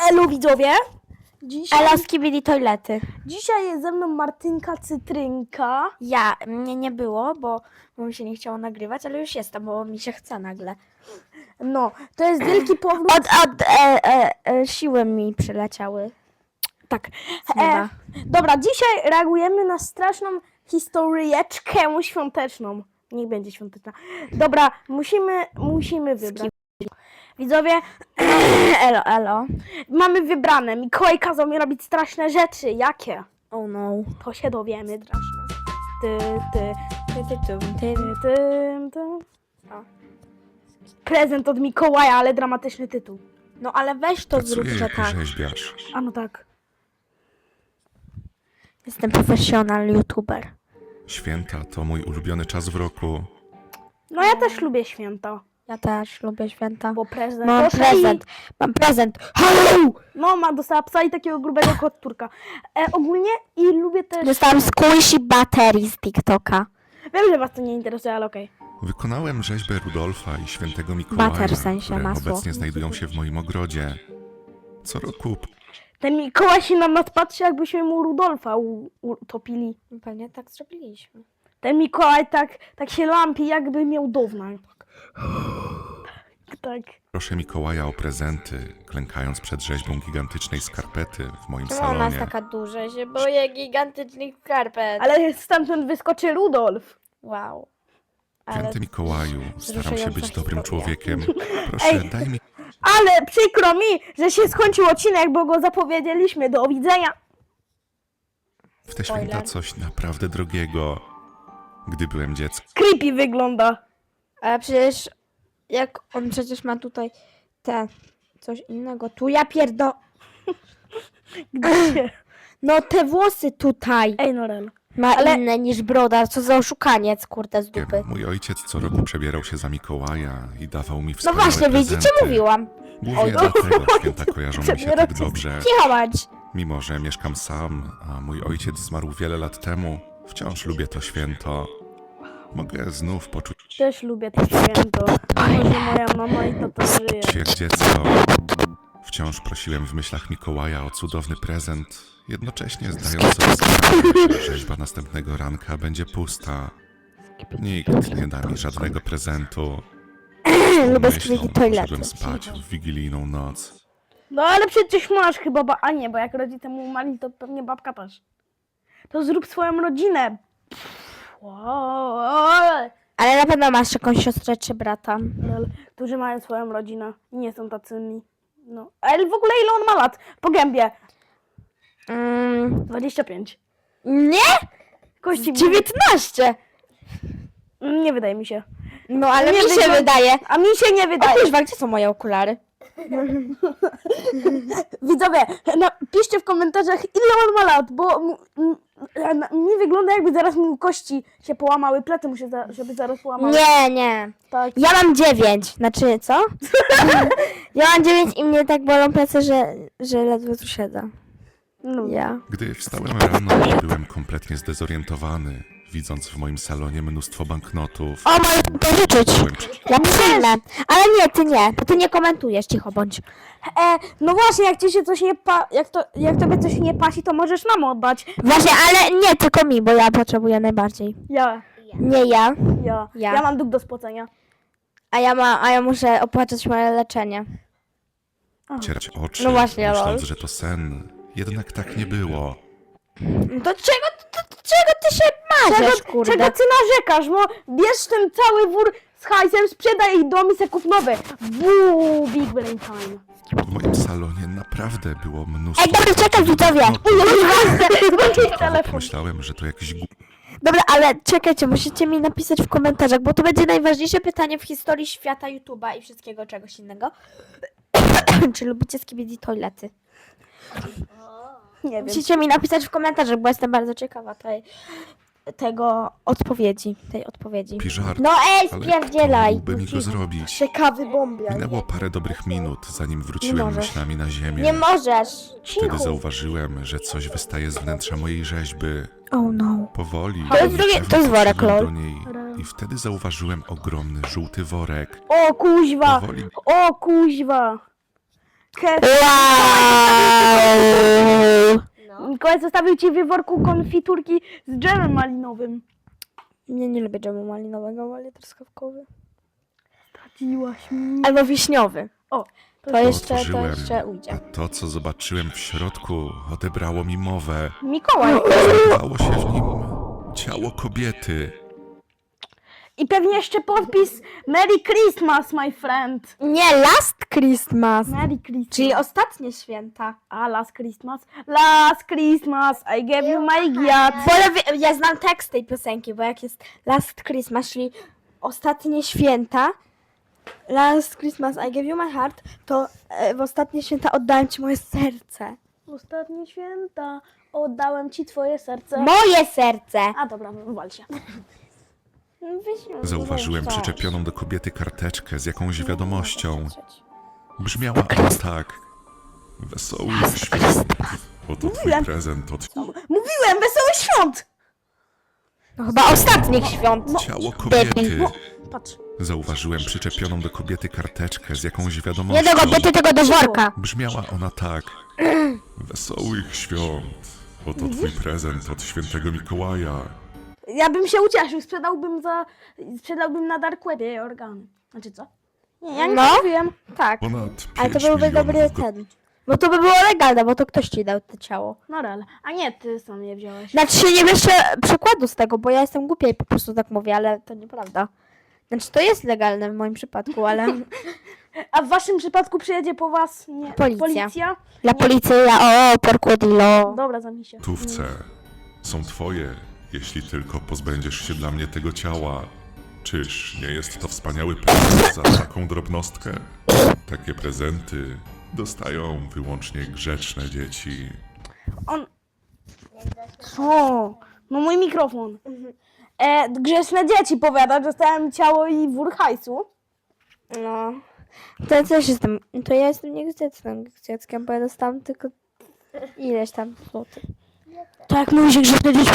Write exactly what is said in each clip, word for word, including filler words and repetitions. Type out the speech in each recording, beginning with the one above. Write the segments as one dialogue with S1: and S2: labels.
S1: Elu widzowie! Dzisiaj,
S2: Elo, skibidi toilety.
S1: dzisiaj jest ze mną Martynka Cytrynka.
S2: Ja, mnie nie było, bo, bo mi się nie chciało nagrywać, ale już jestem, bo mi się chce nagle.
S1: No, to jest wielki powrót.
S2: Od, od e, e, e, siły mi przyleciały.
S1: Tak.
S2: Z nieba.
S1: E, dobra, dzisiaj reagujemy na straszną historyjeczkę świąteczną. Niech będzie świąteczna. Dobra, musimy, musimy wybrać. Widzowie,
S2: Elo, elo.
S1: mamy wybrane. Mikołaj kazał mi robić straszne rzeczy. Jakie?
S2: Oh no.
S1: To się dowiemy. Straszne. Ty, ty, ty, ty, ty, ty, ty, ty.
S2: O.
S1: Prezent od Mikołaja, ale dramatyczny tytuł.
S2: No ale weź to zrób,
S3: Pracuję
S2: że
S3: jako
S2: tak.
S3: rzeźbiarz.
S1: A no tak.
S2: Jestem profesjonal youtuber.
S3: Święta to mój ulubiony czas w roku.
S1: No ja też lubię święta,
S2: Ja też lubię święta.
S1: bo prezent.
S2: Mam
S1: Proszę
S2: prezent.
S1: I...
S2: Mam prezent. Halo!
S1: No, ma dostała psa i takiego grubego kotturka. E, ogólnie i lubię też...
S2: Dostałam squishy baterii z TikToka.
S1: Wiem, że was to nie interesuje, ale okej.
S3: Wykonałem rzeźbę Rudolfa i świętego Mikołaja,
S2: Bater w sensie,
S3: które
S2: masło.
S3: obecnie znajdują się w moim ogrodzie. Co roku
S1: Ten Mikołaj się na nas patrzy, jakbyśmy mu Rudolfa u- utopili.
S2: Pewnie tak zrobiliśmy.
S1: Ten Mikołaj tak, tak się lampi, jakby miał downa. Tak.
S3: proszę Mikołaja o prezenty, klękając przed rzeźbą gigantycznej skarpety w moim
S2: Czemu ona jest
S3: salonie.
S2: taka duża? Się boję gigantycznych skarpet.
S1: Ale stamtąd wyskoczy Rudolf.
S2: Wow. Ale
S3: Święty Mikołaju, staram się
S2: wzruszająca
S3: być dobrym
S2: historia.
S3: człowiekiem. Proszę,
S1: Ej.
S3: daj mi
S1: Ale przykro mi, że się skończył odcinek, bo go zapowiedzieliśmy. Do widzenia.
S3: w te święta
S2: Spoiler.
S3: coś naprawdę drogiego. Gdy byłem dzieckiem,
S1: Creepy wygląda.
S2: Ale przecież jak on przecież ma tutaj te coś innego. Tu ja pierdo...
S1: Gdzie?
S2: No te włosy tutaj
S1: Ej, Norel.
S2: ma
S1: Ale-
S2: inne niż broda. Co za oszukaniec, kurde, z dupy.
S3: mój ojciec co roku przebierał się za Mikołaja i dawał mi
S2: No
S3: wspaniałe
S2: właśnie, widzicie,
S3: prezenty.
S2: mówiłam.
S3: Głównie
S1: Oj,
S3: dlatego święta kojarzą mi się
S1: Przebierał
S3: tak
S1: się-
S3: dobrze.
S2: Cicho bądź.
S3: Mimo że mieszkam sam, a mój ojciec zmarł wiele lat temu, wciąż lubię to święto. Mogę znów poczuć
S1: Też lubię to święto. Mimo, że moja mama i tata żyje.
S3: się jak dziecko. Wciąż prosiłem w myślach Mikołaja o cudowny prezent, jednocześnie zdając sobie sprawę, że rzeźba następnego ranka będzie pusta. Nikt nie da mi żadnego prezentu.
S2: Lubię
S3: Myślą,
S2: skryki toilety.
S3: poszedłem spać w wigilijną noc.
S1: No ale przecież masz chyba, ba... a nie, bo jak rodzice mu umarli, to pewnie babka też. To zrób swoją rodzinę. Pff, wow.
S2: Ale na pewno masz jakąś siostrę czy brata.
S1: Lol, którzy mają swoją rodzinę i nie są tacy mi. No. Ale w ogóle ile on ma lat? Po gębie.
S2: Mm,
S1: dwadzieścia pięć.
S2: nie?
S1: Kości
S2: dziewiętnaście.
S1: Nie wydaje mi się.
S2: No ale
S1: Nie
S2: mi się
S1: wygląda-
S2: wydaje.
S1: A mi się nie
S2: O
S1: wydaje.
S2: kurwa, gdzie są moje okulary?
S1: Widzowie, napiszcie w komentarzach, ile on ma lat, bo m- m- na- mi wygląda, jakby zaraz mu kości się połamały, plety mu się, za, żeby zaraz połamały.
S2: Nie, nie.
S1: Tak.
S2: Ja mam dziewięć. Znaczy, co? Ja mam dziewięć i mnie tak bolą plecy, że, że ledwo tu siedzę.
S1: No.
S2: Ja.
S3: Gdy wstałem rano, byłem kompletnie zdezorientowany, widząc w moim salonie mnóstwo banknotów.
S2: O, mogę pożyczyć.
S3: Byłem przy-
S2: Ja przyjmę. Ale nie, ty nie. Bo ty nie komentujesz, cicho bądź.
S1: E, no właśnie, jak ci się coś nie pa, jak, to, jak tobie coś nie pasi, to możesz nam oddać.
S2: Właśnie, ale nie tylko mi, bo ja potrzebuję najbardziej.
S1: Ja,
S2: Nie ja,
S1: ja,
S2: Ja.
S1: ja mam dług do spłacenia.
S2: a ja, ma, a ja muszę opłacać moje leczenie.
S3: Cierać oczy,
S2: No właśnie,
S3: myśląc,
S2: lol.
S3: że to sen. Jednak tak nie było.
S2: Do czego, do, do czego ty się marzysz,
S1: Czego,
S2: kurde?
S1: czego ty narzekasz? No, bierz ten cały wór z hajsem, sprzedaj ich dom i se kup nowy. Buu, big brain time.
S3: W moim salonie naprawdę było mnóstwo...
S2: Ej, dobra, czekaj, widzowie.
S1: Włączyć
S3: Początkowo
S1: telefon.
S3: pomyślałem, że to jakiś gu...
S2: Dobra, ale czekajcie, musicie mi napisać w komentarzach, bo to będzie najważniejsze pytanie w historii świata YouTube'a i wszystkiego czegoś innego. Czy lubicie skibidi toilety?
S1: Nie wiem.
S2: Musicie mi napisać w komentarzach, bo jestem bardzo ciekawa tej, tego odpowiedzi, tej odpowiedzi.
S3: żart.
S2: No ej,
S3: Ale
S2: spierdzielaj!
S3: kto mógłby mi go zrobić?
S2: Ciekawy bombia.
S3: Minęło parę dobrych minut, zanim
S2: Nie
S3: wróciłem
S2: możesz.
S3: myślami na ziemię.
S2: Nie możesz!
S3: Wtedy
S1: Cicho.
S3: zauważyłem, że coś wystaje z wnętrza mojej rzeźby.
S2: Oh no.
S3: Powoli.
S2: To jest
S3: i
S2: drugie-
S3: niepewnie
S2: to jest worek,
S3: podszedłem
S2: lol.
S3: do niej I wtedy zauważyłem ogromny żółty worek.
S1: O kuźwa,
S3: Powoli
S1: o kuźwa.
S2: Wow!
S1: Mikołaj zostawił ci w worku konfiturki z dżemem malinowym.
S2: Nie, nie lubię dżemu malinowego, wolę truskawkowy.
S1: Straciłaś mi.
S2: Albo wiśniowy.
S1: O,
S2: To jeszcze, to
S3: Otworzyłem,
S2: jeszcze
S3: a
S2: ujdzie.
S3: to, co zobaczyłem w środku, odebrało mi mowę.
S1: Mikołaj.
S3: Znajdowało się w nim ciało kobiety.
S1: I pewnie jeszcze podpis Merry Christmas, my friend.
S2: Nie, Last Christmas.
S1: Merry Christmas.
S2: Czyli ostatnie święta.
S1: A, last Christmas. Last Christmas, I gave you my giat.
S2: Bo ja, wie- ja znam tekst tej piosenki, bo jak jest Last Christmas, czyli ostatnie święta, Last Christmas I gave you my heart, to e, w ostatnie święta oddałem ci moje serce.
S1: Ostatnie święta, oddałem ci twoje serce.
S2: Moje serce!
S1: A dobra, wal się.
S3: Zauważyłem przyczepioną do kobiety karteczkę z jakąś wiadomością. Brzmiała ona tak. Wesołych świąt. Oto twój prezent od
S1: Mówiłem, wesołych świąt!
S2: No chyba ostatnich świąt.
S3: ciało kobiety.
S1: Patrz.
S3: Zauważyłem przyczepioną do kobiety karteczkę z jakąś
S2: Nie
S3: wiadomością.
S2: do kobiety, tego do worka.
S3: Brzmiała ona tak. Wesołych świąt. Oto twój prezent od świętego Mikołaja.
S1: Ja bym się ucieszył, sprzedałbym za... Sprzedałbym na dark webie organy. Znaczy co? Nie, ja nie
S2: No.
S1: mówiłem.
S2: Tak,
S3: Ponad
S2: ale to
S3: pięć
S2: byłby dobry
S3: milionów go-
S2: ten. Bo to by było legalne, bo to ktoś ci dał to ciało.
S1: No rel. A nie, ty sam je wziąłeś.
S2: Znaczy się nie wiesz przykładu z tego, bo ja jestem głupia i po prostu tak mówię, ale to nieprawda. Znaczy to jest legalne w moim przypadku, ale
S1: A w waszym przypadku przyjedzie po was nie,
S2: Policja.
S1: policja?
S2: dla policji ja o porkudilo.
S1: Dobra, zamknij się.
S3: Gotówce są twoje, jeśli tylko pozbędziesz się dla mnie tego ciała. Czyż nie jest to wspaniały prezent za taką drobnostkę? Takie prezenty dostają wyłącznie grzeczne dzieci.
S1: On... Co? No mój mikrofon. E, grzeczne dzieci powiada, dostałem ciało i wór hajsu.
S2: No. To ja też jestem, to ja jestem niegrzecznym dzieckiem, bo ja dostałam tylko ileś tam złotych.
S1: Tak, mówi się grzeczne dzieci.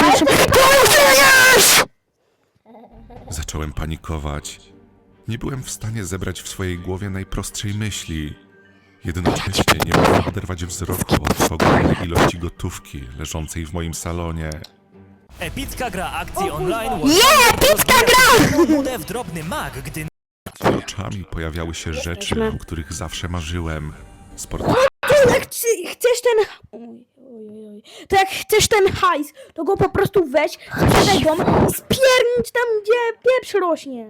S3: Zacząłem panikować. Nie byłem w stanie zebrać w swojej głowie najprostszej myśli. Jednocześnie nie mogłem oderwać wzroku od ogromnej ilości gotówki leżącej w moim salonie.
S4: Epicka gra akcji online.
S2: Nie, epicka gra!
S4: Budę w drobny mag, gdy
S3: Przed oczami pojawiały się rzeczy, o których zawsze marzyłem. Sport...
S1: To jak chci- chcesz ten... Oj, oj, oj, oj. To jak chcesz ten hajs, to go po prostu weź, sprzedaj dom i spiernicz tam, gdzie pieprz rośnie.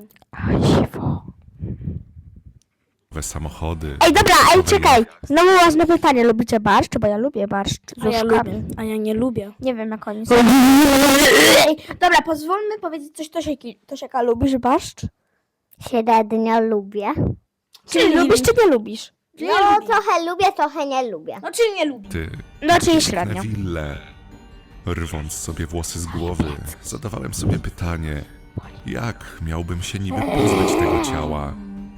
S3: samochody.
S2: Ej, dobra, ej,
S3: nowe
S2: czekaj.
S3: je-
S2: Znowu ważne pytanie. Lubicie barszcz? Bo ja lubię barszcz z
S1: A ja
S2: łóżkami.
S1: lubię, a ja nie lubię.
S2: Nie wiem, jak oni są. Ej, dobra, pozwólmy powiedzieć coś Tosieki. Tosieka, lubisz barszcz?
S5: Średnio lubię.
S2: Czy lubisz, czy nie lubisz?
S5: No trochę lubię, trochę nie lubię.
S1: No czy nie lubię?
S3: Ty,
S2: No, czyli średnio.
S3: Neville. Rwąc sobie włosy z głowy, zadawałem sobie pytanie, jak miałbym się niby pozbyć tego ciała?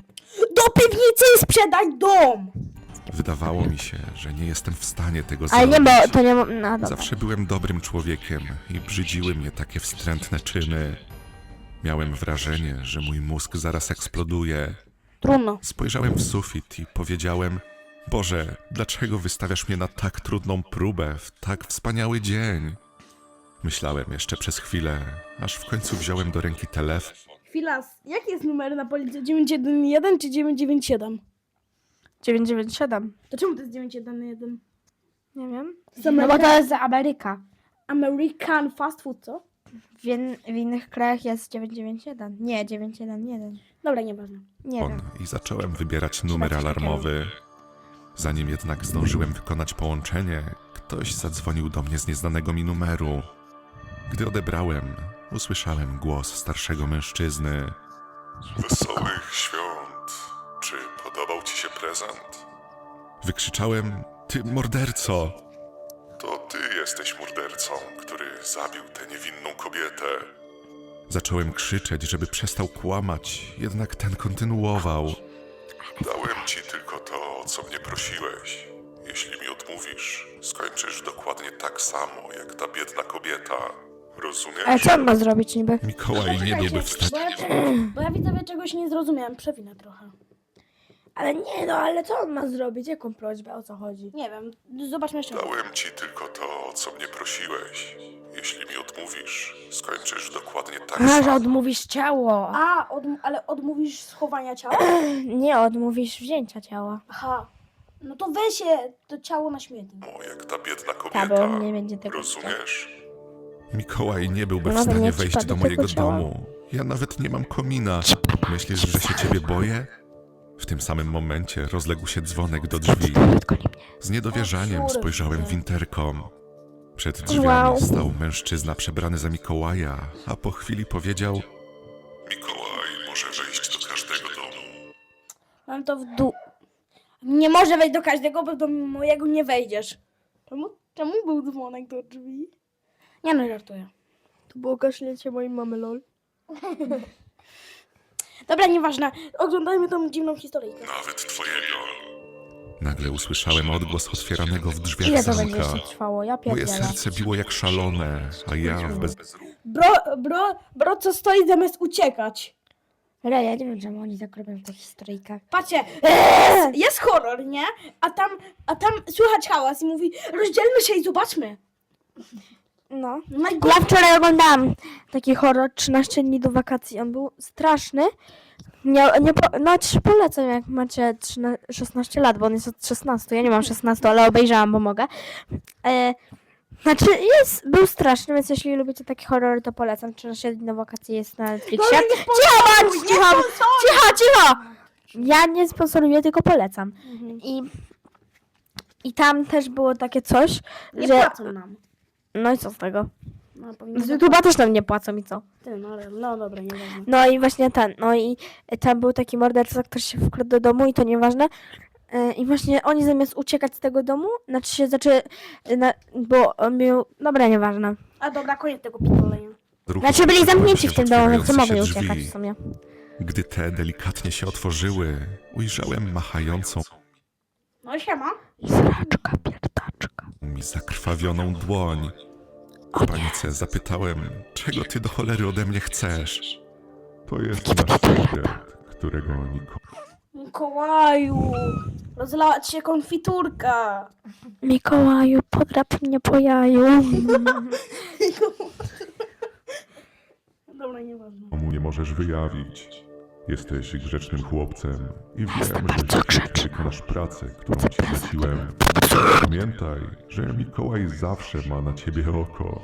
S1: Do piwnicy i sprzedaj dom!
S3: Wydawało mi się, że nie jestem w stanie tego
S2: Ale
S3: zrobić.
S2: nie, bo to nie... mo- No, dobra.
S3: Zawsze byłem dobrym człowiekiem i brzydziły mnie takie wstrętne czyny. Miałem wrażenie, że mój mózg zaraz eksploduje.
S1: Trudno.
S3: Spojrzałem w sufit i powiedziałem: Boże, dlaczego wystawiasz mnie na tak trudną próbę w tak wspaniały dzień? Myślałem jeszcze przez chwilę, aż w końcu wziąłem do ręki telefon.
S1: Chwila, jaki jest numer na policji? dziewięć jeden jeden czy dziewięć dziewięć siedem?
S2: dziewięć dziewięć siedem.
S1: To czemu to jest dziewięć jeden jeden?
S2: Nie wiem.
S1: Z
S2: No bo to jest Ameryka.
S1: American fast food, co?
S2: W, in, w innych krajach jest dziewięć dziewięć jeden. Nie, dziewięć jeden jeden.
S1: Dobra, nieważne.
S2: Nie wiem.
S3: i zacząłem wybierać numer
S2: coś takiego.
S3: alarmowy. Zanim jednak zdążyłem wykonać połączenie, ktoś zadzwonił do mnie z nieznanego mi numeru. Gdy odebrałem, usłyszałem głos starszego mężczyzny. Wesołych świąt. Czy podobał ci się prezent? Wykrzyczałem: Ty morderco! To ty jesteś mordercą, który zabił tę niewinną kobietę. Zacząłem krzyczeć, żeby przestał kłamać, jednak ten kontynuował. Dałem ci tylko to, o co mnie prosiłeś. Jeśli mi odmówisz, skończysz dokładnie tak samo, jak ta biedna kobieta. Rozumiesz?
S2: Ale co on ma zrobić niby?
S3: Mikołaj nie byłby w stanie...
S1: Bo ja, bo ja widzowie czegoś nie zrozumiałem, przewinę trochę.
S2: Ale nie no, ale co on ma zrobić? Jaką prośbę? O co chodzi?
S1: Nie wiem, zobaczmy jeszcze raz.
S3: Dałem ci tylko to, o co mnie prosiłeś. Jeśli mi odmówisz, skończysz dokładnie tak
S2: A, że
S3: samo.
S2: odmówisz ciało.
S1: A, odm- ale odmówisz schowania ciała?
S2: Nie, odmówisz wzięcia ciała.
S1: Aha. No to weź je, to ciało na śmietnik.
S3: O, jak ta biedna
S2: Ta, bo
S3: kobieta.
S2: on nie będzie tego
S3: Rozumiesz? Mikołaj nie byłby w
S2: No to
S3: stanie
S2: nie
S3: wejść
S2: przypadek
S3: do
S2: tego
S3: mojego
S2: ciała.
S3: domu. Ja nawet nie mam komina. Myślisz, że się ciebie boję? W tym samym momencie rozległ się dzwonek do drzwi. Z niedowierzaniem
S1: O,
S3: spojrzałem w
S1: kurde.
S3: interkom. Przed drzwiami
S2: Wow.
S3: stał mężczyzna przebrany za Mikołaja, a po chwili powiedział: Mikołaj może wejść do każdego domu.
S1: Mam to w dół. Nie może wejść do każdego, bo do mojego nie wejdziesz. Czemu, czemu był dzwonek do drzwi? Nie no, żartuję.
S2: To było kaszlecie mojej mamy, lol.
S1: Dobra, nieważne. Oglądajmy tą dziwną historyjkę.
S3: Nawet twojego. Nagle usłyszałem odgłos otwieranego w drzwiach
S2: Ile to będzie
S3: zamka.
S2: jeszcze trwało? Ja
S3: Moje
S2: pierdzielę.
S3: serce biło jak szalone, a ja w bez...
S1: Bro, bro, bro, co stoi zamiast uciekać?
S2: Ale ja nie wiem, czemu oni tak robią w tych historyjkach.
S1: Patrzcie, jest, jest horror, nie? A tam, a tam słychać hałas i mówi, rozdzielmy się i zobaczmy.
S2: No.
S1: Najgorsze.
S2: Ja wczoraj oglądałam taki horror trzynaście dni do wakacji. On był straszny. Nie, nie po, no ci polecam, jak macie trzynaście, szesnaście lat, bo on jest od szesnastu. Ja nie mam szesnastu, ale obejrzałam, bo mogę. E, znaczy jest, był straszny, więc jeśli lubicie takie horrory, to polecam. trzynaście dni do wakacji jest na Netflixie.
S1: No, nie
S2: Cicho, bądź,
S1: nie
S2: cicho, cicho, cicho! Ja nie sponsoruję, tylko polecam.
S1: Mhm.
S2: I, I tam też było takie coś,
S1: Nie
S2: że...
S1: płacą nam.
S2: No i co z tego?
S1: No, powinno
S2: Z YouTube'a też nam nie płacą i co?
S1: Ty, no, ale- no dobra, nieważne.
S2: No i właśnie ten, no i tam był taki morderca, który się wkradł do domu i to nieważne. Yy, I właśnie oni zamiast uciekać z tego domu, znaczy się, znaczy, yy, na, bo on był, dobra, nieważne.
S1: A dobra, koniec tego pitolenia.
S3: Ruchu
S2: Znaczy byli
S3: wpatrzyłem
S2: zamknięci
S3: się
S2: w tym domu, więc nie
S3: otwierające
S2: mogli
S3: się
S2: uciekać
S3: drzwi.
S2: w sumie.
S3: Gdy te delikatnie się otworzyły, ujrzałem machającą
S1: No siema.
S2: Sraczka, pierdaczka.
S3: mi zakrwawioną dłoń. W panice zapytałem, czego ty do cholery ode mnie chcesz? To jest nasz sekret, którego nikomu...
S1: Mikołaju, rozlała ci się konfiturka.
S2: Mikołaju, podrap mnie po jaju.
S1: Dobra, nieważne.
S3: Komu nie możesz wyjawić. Jesteś grzecznym chłopcem i wiem, że
S2: bardzo
S3: dzisiaj
S2: grzeczny.
S3: wykonasz pracę, którą ci zleciłem. Pamiętaj, że Mikołaj zawsze ma na ciebie oko.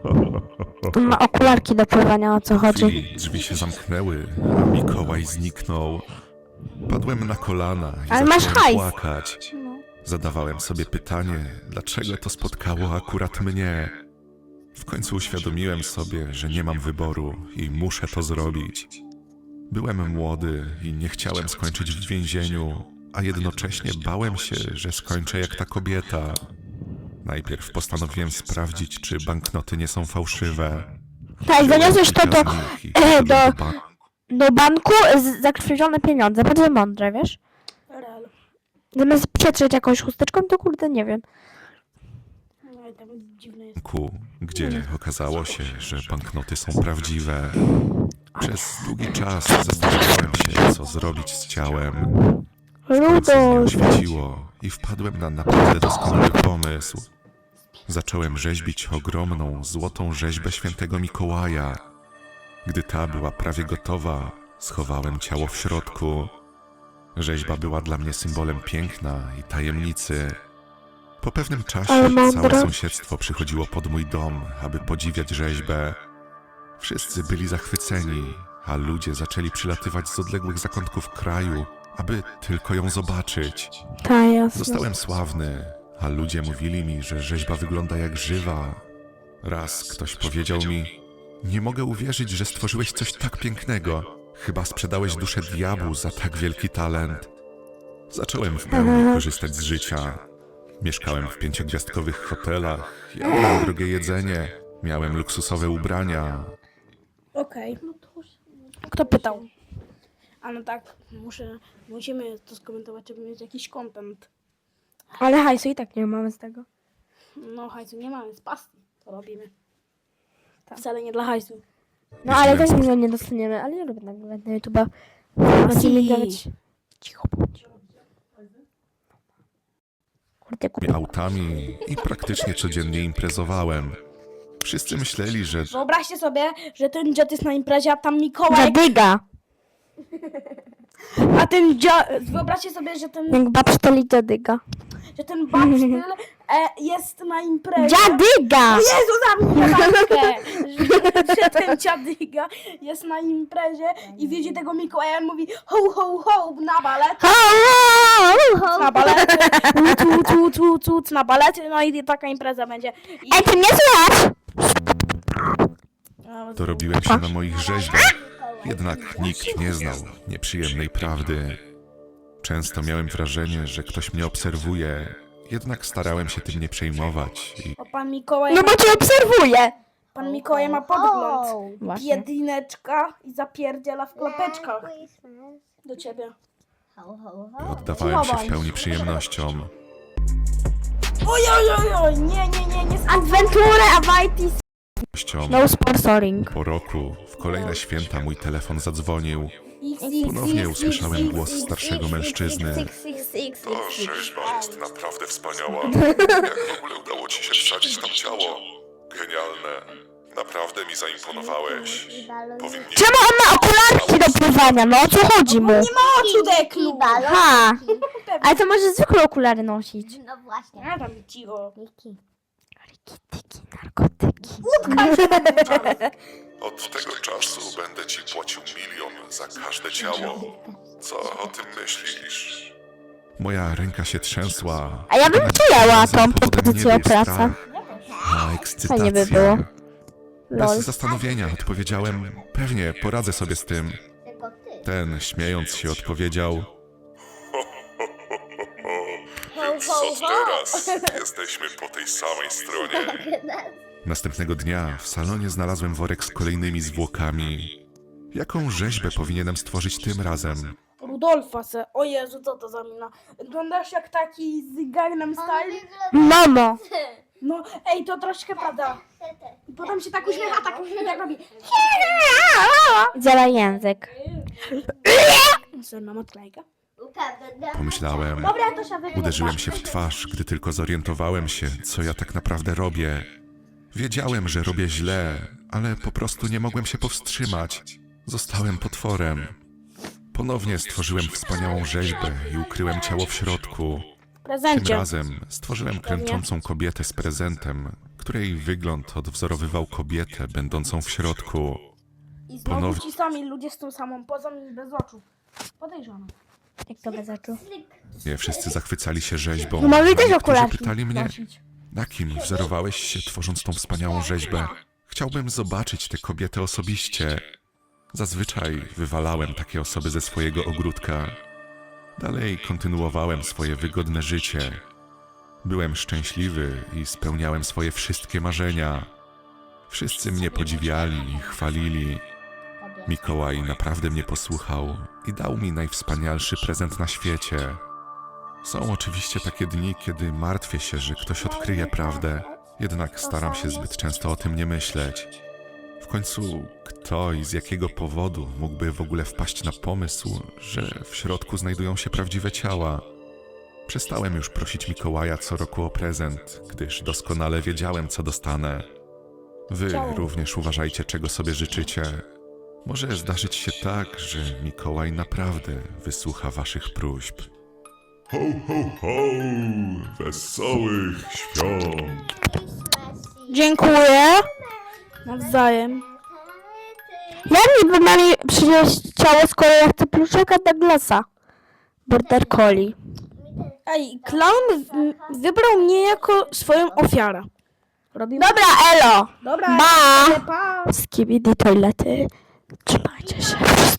S2: On ma okularki do pływania, o co
S3: W
S2: chodzi.
S3: chwili drzwi się zamknęły, a Mikołaj zniknął. Padłem na kolana i
S2: Ale masz
S3: zacząłem
S2: hajs.
S3: płakać. Zadawałem sobie pytanie, dlaczego to spotkało akurat mnie. W końcu uświadomiłem sobie, że nie mam wyboru i muszę to zrobić. Byłem młody i nie chciałem skończyć w więzieniu, a jednocześnie bałem się, że skończę jak ta kobieta. Najpierw postanowiłem sprawdzić, czy banknoty nie są fałszywe.
S2: Tak, zaniosłeś to do,
S3: Wziąłem kilka z nich i
S2: e,
S3: poszedłem
S2: do-
S3: do banku.
S2: do banku z zakrwawione pieniądze. Bardzo mądre, wiesz?
S1: Real.
S2: Zamiast przetrzeć jakąś chusteczką, to kurde, nie wiem.
S1: No i tam dziwne jest.
S3: banku, gdzie okazało się, że banknoty są prawdziwe. Przez długi czas zastanawiałem się, co zrobić z ciałem. W końcu mnie
S2: Rudo.
S3: oświeciło i wpadłem na naprawdę doskonały pomysł. Zacząłem rzeźbić ogromną, złotą rzeźbę świętego Mikołaja. Gdy ta była prawie gotowa, schowałem ciało w środku. Rzeźba była dla mnie symbolem piękna i tajemnicy. Po pewnym czasie
S2: Ale mądre.
S3: całe sąsiedztwo przychodziło pod mój dom, aby podziwiać rzeźbę. Wszyscy byli zachwyceni, a ludzie zaczęli przylatywać z odległych zakątków kraju, aby tylko ją zobaczyć.
S2: Ta, jasne.
S3: Zostałem sławny, a ludzie mówili mi, że rzeźba wygląda jak żywa. Raz ktoś powiedział mi: nie mogę uwierzyć, że stworzyłeś coś tak pięknego. Chyba sprzedałeś duszę diabłu za tak wielki talent. Zacząłem w pełni korzystać z życia. Mieszkałem w pięciogwiazdkowych hotelach, jadłem drogie jedzenie, miałem luksusowe ubrania.
S1: Okej.
S2: Kto pytał?
S1: A no tak, muszę, musimy to skomentować, żeby mieć jakiś content.
S2: Ale hajsu i tak nie mamy z tego.
S1: No hajsu nie mamy, z pasji to robimy. Wcale nie dla hajsu.
S2: No ale też nic nie dostaniemy, ale ja lubię nagrywać na YouTube'a. Będziemy dawać... Cicho bądź.
S3: autami i praktycznie codziennie imprezowałem. Wszyscy myśleli, że
S1: Wyobraźcie sobie, że ten dziad jest na imprezie, a tam Mikołaj,
S2: Dziadyga.
S1: a ten dziad... Wyobraźcie sobie, że ten,
S2: Jak babszteli dziadyga.
S1: że ten babsztyl e, jest na imprezie.
S2: Dziadyga!
S1: O Jezu, zamknij matkę! Że, że ten dziadyga jest na imprezie i widzi tego Mikołaja i mówi ho, ho, ho, na balety, na balety, tu, tu, tu, tu, tu, na balety, no i taka impreza będzie. I...
S2: Ej, ty mnie słychać?
S3: dorobiłem się na moich rzeźbach. Jednak nikt nie znał nieprzyjemnej prawdy. Często miałem wrażenie, że ktoś mnie obserwuje, jednak starałem się tym nie przejmować i
S1: O, pan Mikołaj,
S2: No
S1: ma,
S2: bo cię obserwuję.
S1: pan Mikołaj ma podgląd.
S2: Właśnie.
S1: Biedineczka i zapierdziela w klapeczkach do ciebie.
S3: oddawałem się w pełni przyjemnościom.
S1: Oj, oj, oj, oj, nie, nie, nie, nie.
S2: Adventure Avaitis.
S3: Ściom.
S2: No sponsoring.
S3: Po roku, w kolejne święta mój telefon zadzwonił.
S1: X, X,
S3: Ponownie
S1: X,
S3: usłyszałem
S1: X,
S3: głos
S1: X,
S3: starszego
S1: X,
S3: mężczyzny.
S1: X, X, X,
S3: Ta
S1: X,
S3: rzeźba jest naprawdę wspaniała. Jak w ogóle udało ci się wsadzić tam ciało? Genialne. Naprawdę mi zaimponowałeś. Powinni...
S2: Czemu on ma okularki do pływania? No o co chodzi mu?
S1: Nie ma oczu, deklu!
S2: Ha! Ale to może zwykłe okulary nosić.
S5: No właśnie.
S1: Ja tam cicho.
S5: Miki.
S2: Narkotyki, narkotyki.
S3: Od tego czasu będę ci płacił milion za każde ciało. Co o tym myślisz? Moja ręka się trzęsła.
S2: A ja bym przyjęła tą
S3: Powodem
S2: propozycję
S3: nie
S2: o
S3: był
S2: pracę.
S3: strach, a ekscytacja.
S2: Fajnie by było.
S3: Bez
S2: Lol.
S3: zastanowienia odpowiedziałem, pewnie poradzę sobie z tym.
S5: Tylko ty.
S3: Ten, śmiejąc się, odpowiedział:
S5: Więc
S3: co teraz? Jesteśmy po tej samej stronie. Następnego dnia w salonie znalazłem worek z kolejnymi zwłokami. Jaką rzeźbę powinienem stworzyć tym razem?
S1: Rudolfa se. O Jezu, co to za mina? Wyglądasz jak taki z Gangnam Style.
S2: Mamo!
S1: No, ej, to troszkę prawda. I potem się tak uśmiecha, tak, tak robi.
S2: Dziela język.
S1: Serna matlejka.
S3: Pomyślałem,
S1: Dobra, to się wygląda.
S3: uderzyłem się w twarz, gdy tylko zorientowałem się, co ja tak naprawdę robię. Wiedziałem, że robię źle, ale po prostu nie mogłem się powstrzymać. Zostałem potworem. Ponownie stworzyłem wspaniałą rzeźbę i ukryłem ciało w środku. Tym
S1: Prezencie.
S3: razem stworzyłem klęczącą kobietę z prezentem, której wygląd odwzorowywał kobietę będącą w środku.
S1: I znowu
S3: ponownie-
S1: ci sami ludzie z tą samą pozą i bez oczu. Podejrzane.
S2: Jak to bez oczu?
S3: Nie wszyscy zachwycali się rzeźbą.
S2: No mamy
S3: a
S2: też
S3: niektórzy
S2: okularki
S3: pytali mnie,
S1: Nosić.
S3: na kim wzorowałeś się tworząc tą wspaniałą rzeźbę? Chciałbym zobaczyć tę kobietę osobiście. Zazwyczaj wywalałem takie osoby ze swojego ogródka. Dalej kontynuowałem swoje wygodne życie. Byłem szczęśliwy i spełniałem swoje wszystkie marzenia. Wszyscy mnie podziwiali i chwalili. Mikołaj naprawdę mnie posłuchał i dał mi najwspanialszy prezent na świecie. Są oczywiście takie dni, kiedy martwię się, że ktoś odkryje prawdę, jednak staram się zbyt często o tym nie myśleć. W końcu, kto i z jakiego powodu mógłby w ogóle wpaść na pomysł, że w środku znajdują się prawdziwe ciała? Przestałem już prosić Mikołaja co roku o prezent, gdyż doskonale wiedziałem, co dostanę. Wy również uważajcie, czego sobie życzycie. Może zdarzyć się tak, że Mikołaj naprawdę wysłucha waszych próśb. Ho, ho, ho! Wesołych świąt!
S1: Dziękuję. Nawzajem.
S2: Jak niby ma mi przynieść ciało, skoro ja chcę pluszaka Douglasa? Border Collie.
S1: Ej, clown w- wybrał mnie jako swoją ofiarę. Robimy.
S2: Dobra, elo!
S1: Dobra.
S2: Ba!
S1: Pa.
S2: Skibidi toilety. Trzymajcie się.